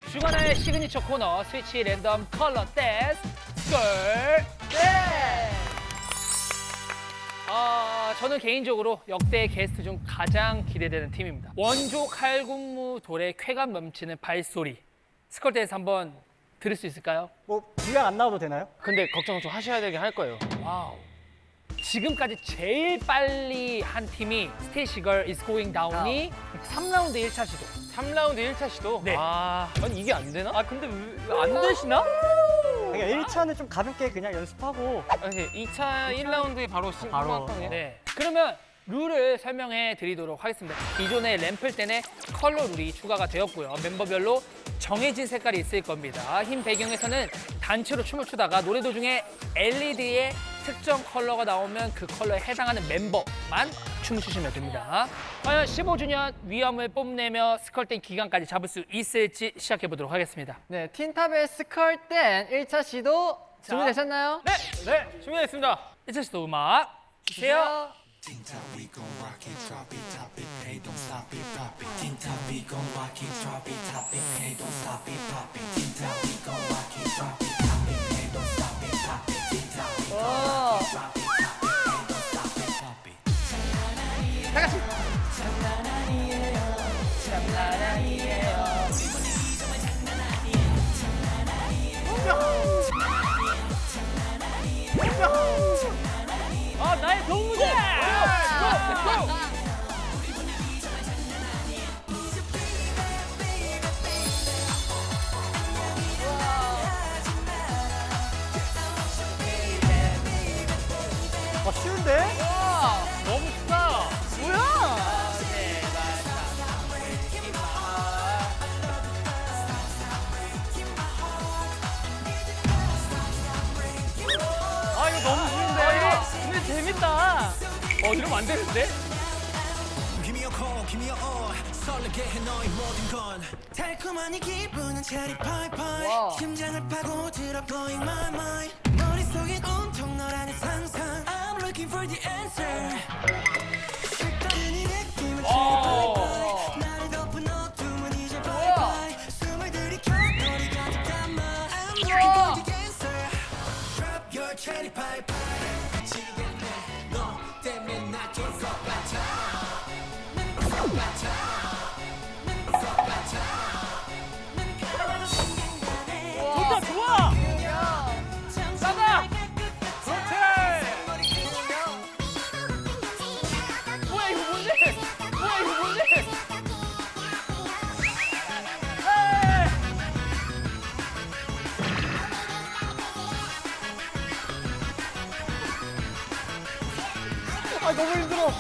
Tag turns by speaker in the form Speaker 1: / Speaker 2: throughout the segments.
Speaker 1: 주간의 시그니처 코너 스위치 랜덤 컬러 댄스 스컬 댄스. 저는 개인적으로 역대 게스트 중 가장 기대되는 팀입니다. 원조 칼군무 돌의 쾌감 넘치는 발소리. 스컬 댄스 한번 들을 수 있을까요?
Speaker 2: 뭐 분량 안 나와도 되나요?
Speaker 3: 근데 걱정 좀 하셔야 되긴 할 거예요.
Speaker 1: 와우. 지금까지 제일 빨리 한 팀이 스테이시걸 Is Going Down이 3라운드 1차 시도.
Speaker 3: 3라운드 1차 시도?
Speaker 1: 네.
Speaker 3: 아니 이게 안 되나?
Speaker 1: 근데 왜 안 되시나?
Speaker 2: 그러니까 1차는 좀 가볍게 그냥 연습하고
Speaker 3: 아니 2차 1라운드에 바로
Speaker 2: 바로.
Speaker 3: 신고한
Speaker 1: 네. 그러면 룰을 설명해 드리도록 하겠습니다. 기존의 램플 땐의 컬러 룰이 추가가 되었고요. 멤버별로 정해진 색깔이 있을 겁니다. 흰 배경에서는 단체로 춤을 추다가 노래 도중에 LED의 특정 컬러가 나오면 그 컬러에 해당하는 멤버만 춤을 추시면 됩니다. 과연 15주년 위험을 뽐내며 스컬 땐 기간까지 잡을 수 있을지 시작해 보도록 하겠습니다.
Speaker 4: 네, 틴탑의 스컬 땐 1차 시도 준비되셨나요?
Speaker 1: 네,
Speaker 3: 네, 준비됐습니다.
Speaker 1: 1차 시도 음악 주세요.
Speaker 5: Think that we gon' rock it, drop it, top it, hey, don't stop it, pop it. Think that we gon' rock it, drop it, top it, hey, don't stop it, pop it. Think that we gon' rock it, drop it, top it, hey, don't stop it, pop it. Think that we gon' rock it, drop it, top it, hey, don't stop it, pop it.
Speaker 1: 나의 동무대!
Speaker 2: 쉬운데?
Speaker 1: 너무 쉽다.
Speaker 3: 이거 너무 쉬운데?
Speaker 1: 근데 재밌다. 이러면 안 되는데?
Speaker 5: Give me a call, give me a all. 설레게 해 너의 모든 건. 달콤한 이 기분은 체리 파이파이. 심장을 파고들어 blowing my mind. 머릿속엔 온통 너라는 상상. I'm looking for the answer. 색다른 이 느낌은 체리 파이파이. 나를 덮은 어둠은 이제 바이바이. 숨을 들이켜 너를 가득 담아. I'm looking for the answer. Drop your cherry pie pie. 미치겠네 너 때문에 나 좋을 것 같아.
Speaker 1: 좋다, 좋아! 싸다!
Speaker 3: 그렇지!
Speaker 1: 뭐야, 이거 뭔데? 뭐야, 이거 뭔데?
Speaker 2: 너무 힘들어.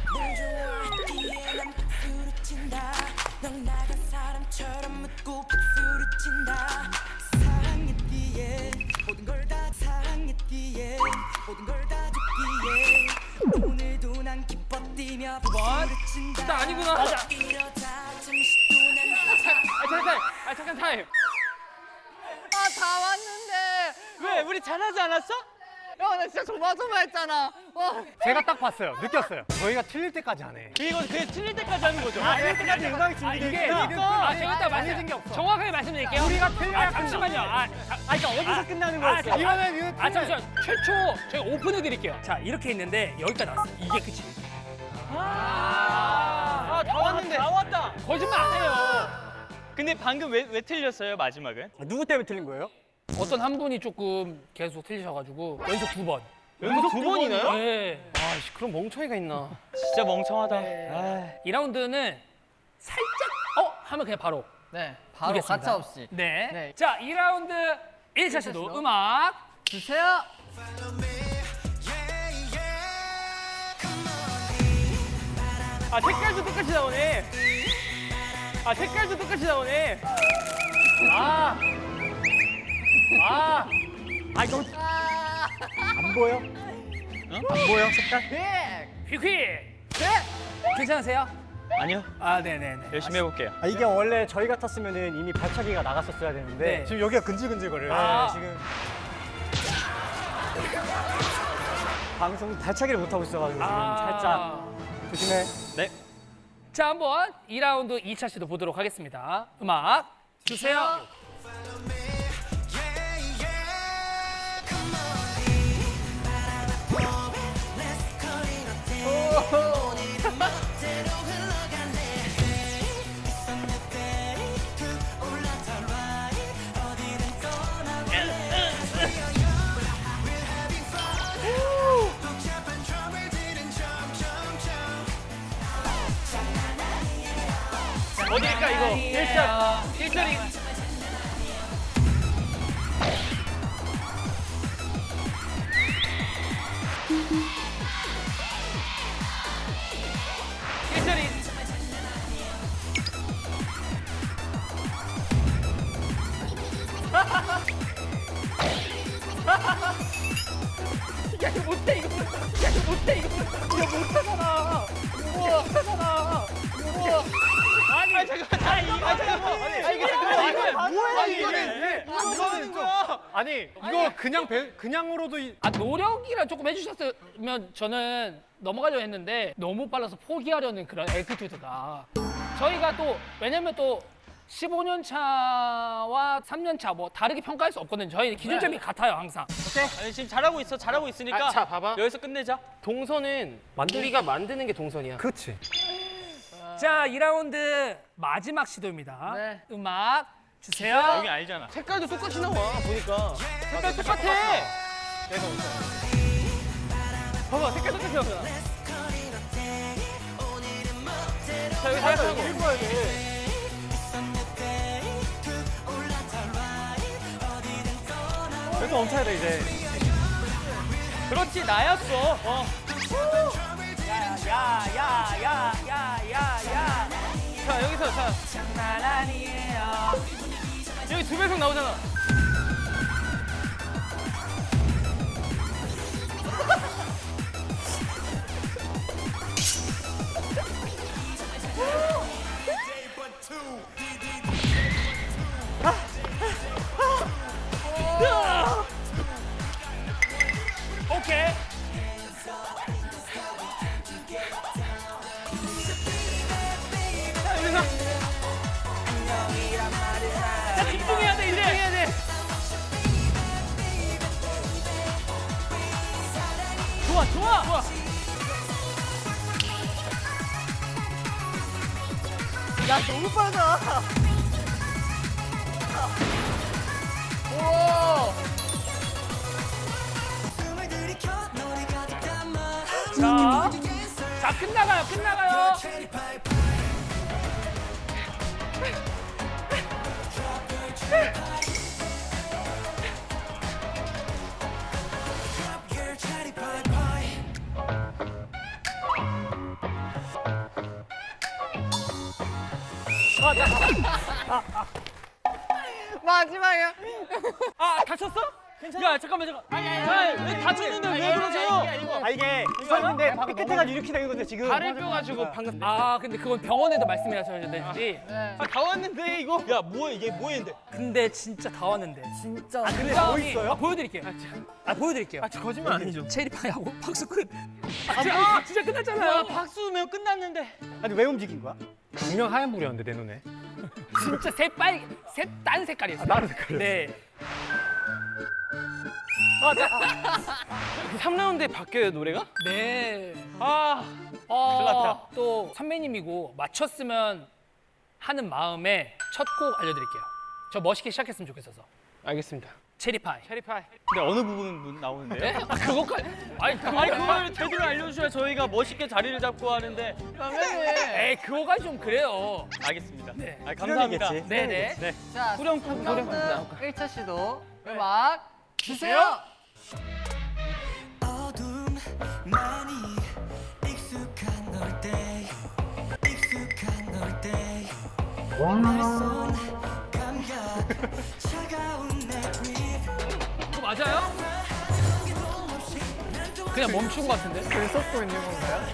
Speaker 5: 넌 나간 사람처럼 묻고 박수를 친다. 사랑했기에 모든 걸 다 사랑했기에 모든 걸 다 줬기에 오늘도 난 기뻐 뛰며 박수를 친다.
Speaker 3: 진짜 아니구나.
Speaker 5: 이러다 잠시 또난
Speaker 3: 잠깐 타임.
Speaker 4: 다 왔는데.
Speaker 3: 왜? 우리 잘하지 않았어?
Speaker 4: 야, 나 진짜 조마조마했잖아. 와.
Speaker 2: 제가 딱 봤어요. 느꼈어요. 저희가 틀릴 때까지 안 해.
Speaker 3: 이건 그냥 틀릴 때까지 하는 거죠.
Speaker 2: 틀릴 때까지 음악이 준비돼
Speaker 1: 이게
Speaker 2: 있구나.
Speaker 1: 제가 딱
Speaker 2: 정해진 게 없어.
Speaker 1: 정확하게 말씀드릴게요.
Speaker 2: 우리가 틀려야
Speaker 1: 잠시만요.
Speaker 2: 그러니까 어디서 끝나는 거였어? 이거는
Speaker 1: 잠시만. 최초 저희가 오픈해 드릴게요. 자, 이렇게 있는데 여기까지 나왔어요. 이게 끝이에요.
Speaker 3: 다 왔는데. 다 왔다.
Speaker 1: 거짓말 안 해요.
Speaker 3: 근데 방금 왜 틀렸어요, 마지막은?
Speaker 2: 누구 때문에 틀린 거예요?
Speaker 1: 어떤 한 분이 조금 계속 틀리셔가지고 연속 2번.
Speaker 3: 연속 두 번이나요?
Speaker 1: 네.
Speaker 3: 아이씨, 그럼 멍청이가 있나? 진짜 멍청하다.
Speaker 1: 네. 2라운드는 살짝 하면 그냥 바로
Speaker 4: 네, 바로
Speaker 1: 이겼습니다.
Speaker 4: 가차 없이.
Speaker 1: 네.
Speaker 4: 네.
Speaker 1: 자, 2라운드 1차 시도 음악
Speaker 4: 주세요.
Speaker 3: 색깔도 똑같이 나오네. 색깔도 똑같이 나오네.
Speaker 2: 이거 안 보여? 안 보여 색깔?
Speaker 1: 휙휙. 괜찮으세요?
Speaker 3: 아니요,
Speaker 1: 네네네.
Speaker 3: 열심히 해볼게요.
Speaker 2: 이게 원래 저희 같았으면은 이미 발차기가 나갔었어야 되는데
Speaker 1: 네.
Speaker 2: 지금 여기가 근질근질거려요. 지금 방송 발차기를 못 하고 있어가지고 지금 살짝 조심해.
Speaker 3: 네.
Speaker 1: 자, 한번 2라운드 2차 시도 보도록 하겠습니다. 음악 주세요.
Speaker 3: 어디일까 이거? 1차리. 야 이거 못해 이거. 야 이거 못해 이거. 이거 못하잖아. 우와. 못하잖아. 우와. 아니 잠깐. 이거는 거야.
Speaker 2: 아니 이거 그냥으로도
Speaker 1: 노력이라 조금 해주셨으면 저는 넘어가려고 했는데 너무 빨라서 포기하려는 그런 애티튜드가 저희가 또 왜냐면 또 15년 차와 3년 차 뭐 다르게 평가할 수 없거든요. 저희 기준점이 같아요 항상.
Speaker 3: 아니 지금 잘하고 있어. 잘하고 있으니까.
Speaker 6: 자, 봐봐.
Speaker 3: 여기서 끝내자.
Speaker 6: 동선은 우리가 만드는 게 동선이야.
Speaker 2: 그렇지.
Speaker 1: 자 2라운드 마지막 시도입니다.
Speaker 4: 네.
Speaker 1: 음악 주세요.
Speaker 3: 여기 알잖아.
Speaker 6: 색깔도 똑같이 나와 보니까.
Speaker 3: 색깔 똑같아. 봐봐 색깔 똑같이 나오잖아. 자 여기 살짝 읽어야 돼.
Speaker 2: 그래서 멈춰야 돼 이제.
Speaker 3: 그렇지 나였어.
Speaker 1: 야야야야야야야.
Speaker 3: 자 여기서 자
Speaker 1: 장난 아니에요.
Speaker 3: 여기 두 배속 나오잖아.
Speaker 1: 오케이.
Speaker 3: 자 집중해야 돼 이제. 집중해야 돼. 좋아 좋아. 좋아.
Speaker 2: 야 너무 빠르다.
Speaker 5: 숨을 들이켜 노래 가득 담아
Speaker 1: 자 끝나가요.
Speaker 5: Your cherry pie pie
Speaker 4: 마지막이야.
Speaker 3: 아 다쳤어? 괜찮아. 야 잠깐만. 왜 다쳤는데 왜 그러세요?
Speaker 2: 아 이게 수업인데 삐끗해가 이렇게 된 건데 지금.
Speaker 3: 발을 껴가지고 방금.
Speaker 1: 아 근데 그건 병원에도 말씀하셔야 되는지.
Speaker 3: 다 왔는데 이거. 야 뭐야 이게 뭐했는데?
Speaker 1: 근데 진짜 다 왔는데.
Speaker 4: 진짜.
Speaker 2: 근데 뭐 있어요?
Speaker 1: 보여드릴게요. 보여드릴게요.
Speaker 3: 거짓말 아니죠?
Speaker 1: 체리파이하고 박수 끝. 진짜 끝났잖아요.
Speaker 3: 박수면 끝났는데.
Speaker 2: 아니 왜 움직인 거야? 분명 하얀 불이었는데 내 눈에.
Speaker 1: 진짜 다른 색깔이었어요.
Speaker 2: 다른 색깔이었어.
Speaker 1: 네.
Speaker 3: 3라운드에 바뀌어요 노래가?
Speaker 1: 네.
Speaker 3: 아. 큰일 났다.
Speaker 1: 또 선배님이고 맞췄으면 하는 마음에 첫 곡 알려드릴게요. 저 멋있게 시작했으면 좋겠어서.
Speaker 6: 알겠습니다.
Speaker 1: 체리파이.
Speaker 3: 체리파이.
Speaker 2: 근데 어느 부분 나오는데요?
Speaker 1: 네? 아, 그거까지. 아니,
Speaker 3: 그걸 제대로 알려주셔야 저희가 멋있게 자리를 잡고 하는데.
Speaker 1: 에이, 그거가 좀 그래요.
Speaker 3: 알겠습니다.
Speaker 1: 네.
Speaker 3: 감사합니다.
Speaker 2: 수련이겠지.
Speaker 1: 네네.
Speaker 4: 자,
Speaker 3: 후렴구
Speaker 4: 1차 시도 음악 주세요.
Speaker 5: 어둠 많이 익숙한 놀때 익숙한 놀때 날선 감각 차가운 내 grip
Speaker 1: 그거 맞아요? 그냥 멈춘 것 같은데?
Speaker 4: 글 쏟고 있는 건가요?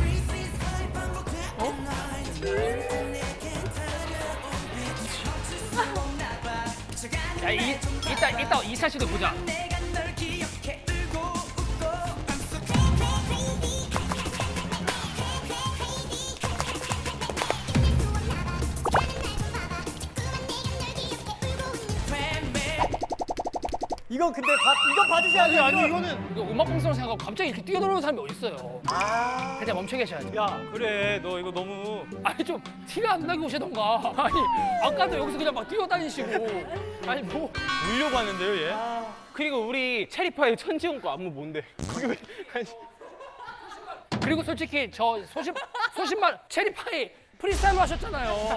Speaker 1: 야, 이따 2차 시도 보자.
Speaker 5: 내가 널 기억해 울고 웃고
Speaker 2: 이건 근데 이거 받으셔야죠.
Speaker 6: 아니 이거는
Speaker 1: 이거 음악 방송을 생각하고 갑자기 이렇게 뛰어들어오는 사람이 어딨어요. 그냥 멈춰 계셔야죠.
Speaker 2: 야, 그래. 너 이거 너무.
Speaker 1: 아니 좀 티가 안 나게 오시던가. 아니 아까도 여기서 그냥 막 뛰어다니시고. 아니 뭐.
Speaker 6: 울려고 하는데요 얘. 그리고 우리 체리파이 천지용 거 안무 뭔데? 거기 왜 아니,
Speaker 1: 그리고 솔직히 저 소신말 체리파이 프리스타일로 하셨잖아요.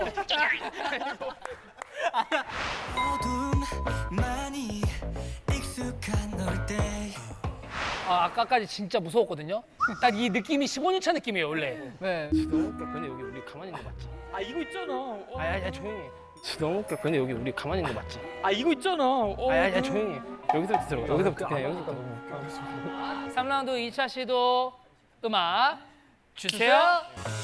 Speaker 5: 어둠 많이 익숙한 너때
Speaker 1: 아까까지 진짜 무서웠거든요. 딱 이 느낌이 15년차 느낌이에요 원래.
Speaker 4: 네.
Speaker 6: 너무 웃겨. 근데 여기 우리 가만히 있는 거 맞지?
Speaker 2: 아, 이거 있잖아.
Speaker 6: 아야 조용히 해. 너무 웃겨. 근데 여기 우리 가만히 있는 거 맞지?
Speaker 2: 아, 이거 있잖아.
Speaker 6: 아야 조용히 해. 여기서부터 들어가. 여기서부터 그냥 여기서부터.
Speaker 1: 3라운드 2차 시도 음악 주세요.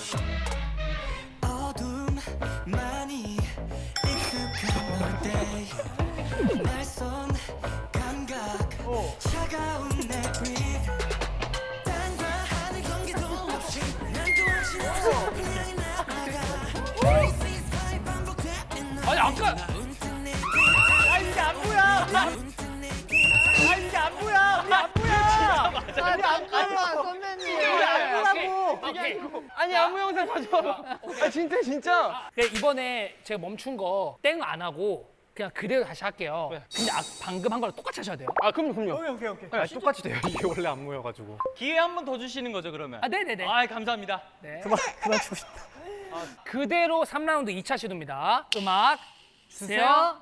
Speaker 5: 어둠 많이 익숙한 너때 낯선 감각 차가운 내 breath 땅과 하늘 관계도 없이 난 또 확신없어 그냥 나아가 This vibe 반복되는
Speaker 1: 아니 아까
Speaker 2: 아, 이게 안무야. 아, 이게 안무야. 우리 안무야.
Speaker 4: 아, 잠깐만, 선배님.
Speaker 2: 우리 안무라고.
Speaker 1: 오케이.
Speaker 6: 아니 안무 영상 가져와. 아 진짜.
Speaker 1: 이번에 제가 멈춘 거 땡 안 하고 그냥 그대로 다시 할게요. 근데 방금 한 거랑 똑같이 하셔야 돼요.
Speaker 6: 아 그럼요.
Speaker 2: 오케이.
Speaker 6: 아, 똑같이 돼요. 이게 원래 안무여가지고.
Speaker 2: 기회 한 번 더 주시는 거죠, 그러면?
Speaker 1: 아 네네네.
Speaker 2: 아, 감사합니다.
Speaker 1: 네.
Speaker 2: 그만 치고 싶다.
Speaker 1: 그대로 3라운드 2차 시도입니다. 음악 주세요.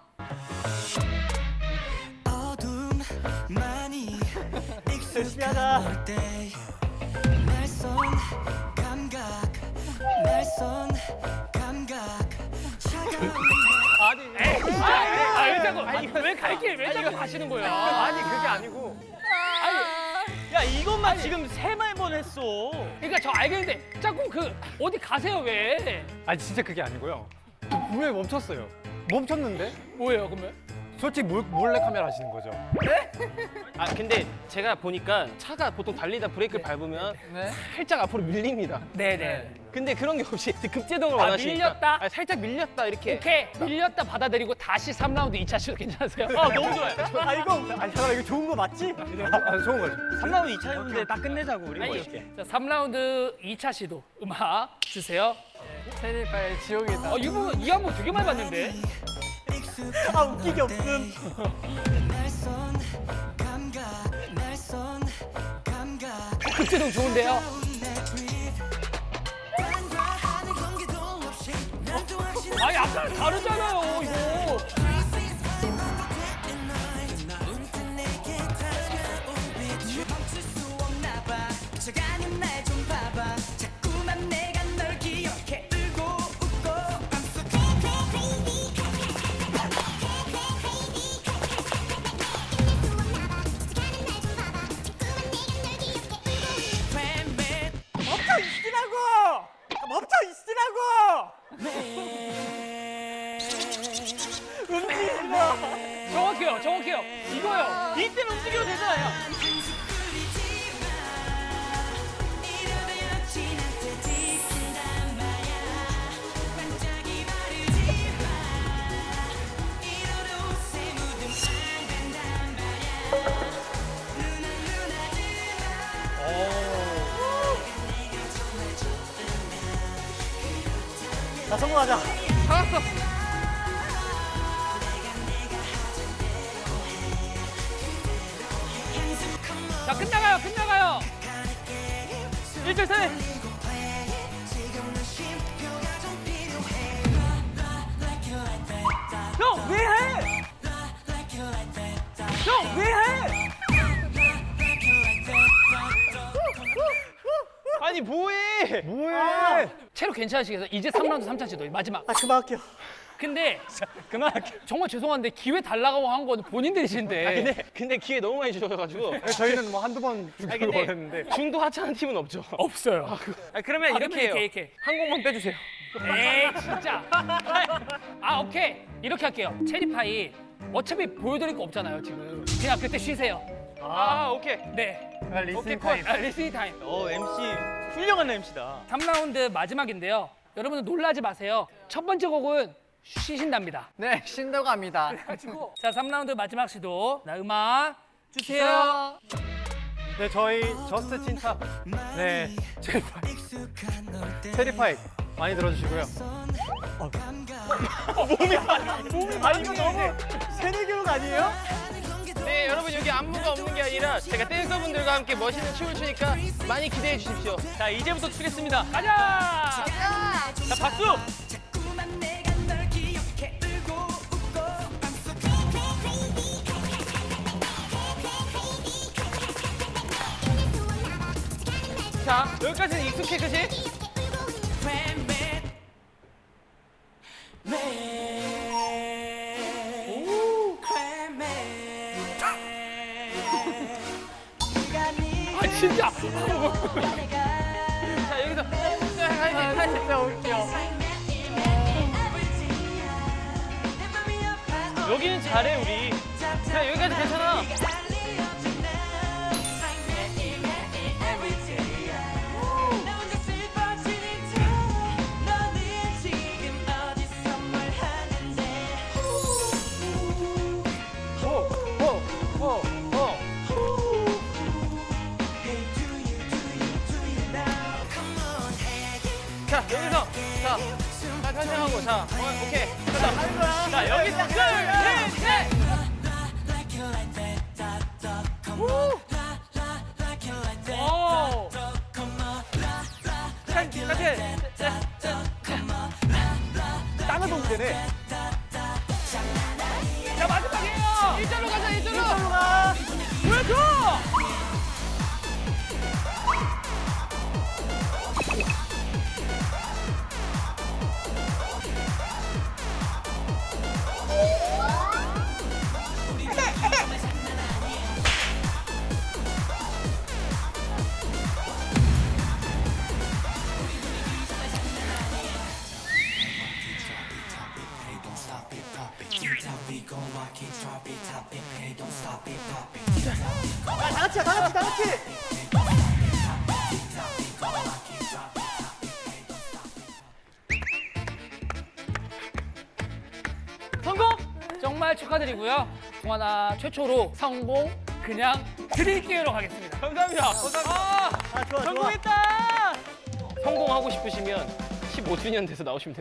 Speaker 5: 어둠 많이
Speaker 2: 열심히 하자.
Speaker 5: 널때 낯선 감각 낯선 감각 차가운
Speaker 1: 왜 자꾸 왜 갈길 왜 자꾸 가시는 거예요?
Speaker 2: 아니, 그게 아니고. 야, 이것만 지금 세 번 했어.
Speaker 1: 그러니까 저 알겠는데 자꾸 그 어디 가세요 왜?
Speaker 7: 아니 진짜 그게 아니고요. 분명히 멈췄어요. 멈췄는데
Speaker 1: 뭐예요 그러면?
Speaker 7: 솔직히 몰래 카메라 하시는 거죠.
Speaker 6: 아 근데 제가 보니까 차가 보통 달리다 브레이크를 밟으면
Speaker 4: 네.
Speaker 6: 살짝 앞으로 밀립니다.
Speaker 1: 네네.
Speaker 6: 근데 그런 게 없이 급제동을 원하시니까
Speaker 1: 밀렸다?
Speaker 6: 아, 살짝 밀렸다 이렇게.
Speaker 1: 오케이 밀렸다 받아들이고 다시 3라운드 2차 시도 괜찮으세요?
Speaker 2: 아, 너무 좋아요. 아, 이거. 아니, 잠깐만, 이거 좋은 거 맞지?
Speaker 7: 아 좋은 거죠.
Speaker 2: 3라운드 2차 했는데 딱 끝내자고, 우리.
Speaker 1: 아니,
Speaker 2: 이렇게.
Speaker 1: 자 3라운드 2차 시도 음악 주세요.
Speaker 4: 체리파의 지옥이다.
Speaker 1: 이 안무 되게 많이 봤는데.
Speaker 2: 아, 웃기게 없음.
Speaker 5: 낯선 감각 낯선 감각
Speaker 1: 급제동 좋은데요?
Speaker 5: 내 breath 땅과 하늘 관계도 없이 난 또 확신없어
Speaker 1: 아니 아까 다르잖아요 이거.
Speaker 5: 문득 내게 다가온 빛 멈출 수 없나 봐 스쳐가는 날 좀 봐봐 자꾸만 내가 널 기억해 울고 웃고
Speaker 2: 멈춰 있으라고! 멈춰 있으라고! 움직이지 마.
Speaker 1: 정확해요 이거요.
Speaker 2: 이때는 움직여도 되잖아요. 자, 성공하자.
Speaker 1: 자 끝나가요.
Speaker 2: 1절 3. 형, 왜 해? 형, 왜 해?
Speaker 6: 아니 뭐해?
Speaker 7: 뭐해?
Speaker 1: 체력 괜찮으시겠어요? 이제 3라운드 3차 시도 마지막.
Speaker 2: 아, 그만할게요.
Speaker 1: 근데
Speaker 2: 그만할게요.
Speaker 1: 정말 죄송한데 기회 달라고 한 건 본인들이신데.
Speaker 6: 근데 기회 너무 많이 주셔가지고
Speaker 7: 저희는 뭐 한두 번
Speaker 6: 아니,
Speaker 7: 주기로
Speaker 6: 근데
Speaker 7: 했는데
Speaker 6: 중도 하차하는 팀은 없죠.
Speaker 1: 없어요.
Speaker 6: 그러면 이렇게 해요.
Speaker 1: 이렇게.
Speaker 6: 한 곡만 빼주세요.
Speaker 1: 에이 진짜. 아 오케이 이렇게 할게요. 체리파이 어차피 보여드릴 거 없잖아요 지금. 그냥 그때 쉬세요.
Speaker 6: 아 오케이.
Speaker 1: 네.
Speaker 6: 오케이 컷.
Speaker 1: 리스닝 타임.
Speaker 2: MC 훌륭한 MC다.
Speaker 1: 3라운드 마지막인데요. 여러분들 놀라지 마세요. 첫 번째 곡은 쉬신답니다.
Speaker 4: 네, 쉰다고 합니다.
Speaker 1: 자, 3라운드 마지막 시도. 자, 음악 주세요.
Speaker 7: 네, 저희 저스트 틴탑. 네, 체리파이 많이 들어주시고요.
Speaker 2: 아 이거 너무 세뇌교육 아니에요?
Speaker 6: 네, 여러분 여기 안무가 없는 게 아니라 제가 댄서분들과 함께 멋있는 춤을 추니까 많이 기대해 주십시오. 자, 이제부터 추겠습니다. 가자! 자, 박수!
Speaker 5: 자꾸만 내가 널 기억해 울고 웃고
Speaker 6: 자, 여기까지는 익숙해, 그치?
Speaker 1: 아, 진짜.
Speaker 6: 자, 여기서 하이파이브.
Speaker 4: 진짜 웃겨.
Speaker 6: 여기는 잘해, 우리. 자, 여기까지 괜찮아. 자, 여기서. 자, 편집하고. 자, 오케이. 가자. 자, 여기서. 둘, 셋, 넷! 오! 같이.
Speaker 2: 땅을 보면 되네.
Speaker 6: 자, 마지막이에요! 일자로 가자, 일자로!
Speaker 2: 일자로 가.
Speaker 6: 보여줘!
Speaker 2: 다 같이.
Speaker 1: 성공! 정말 축하드리고요. 동아나 최초로 성공 그냥 드릴게요로 가겠습니다.
Speaker 6: 감사합니다.
Speaker 2: 아 좋아 좋아.
Speaker 6: 성공했다! 성공하고 싶으시면 15주년 돼서 나오시면 됩니다.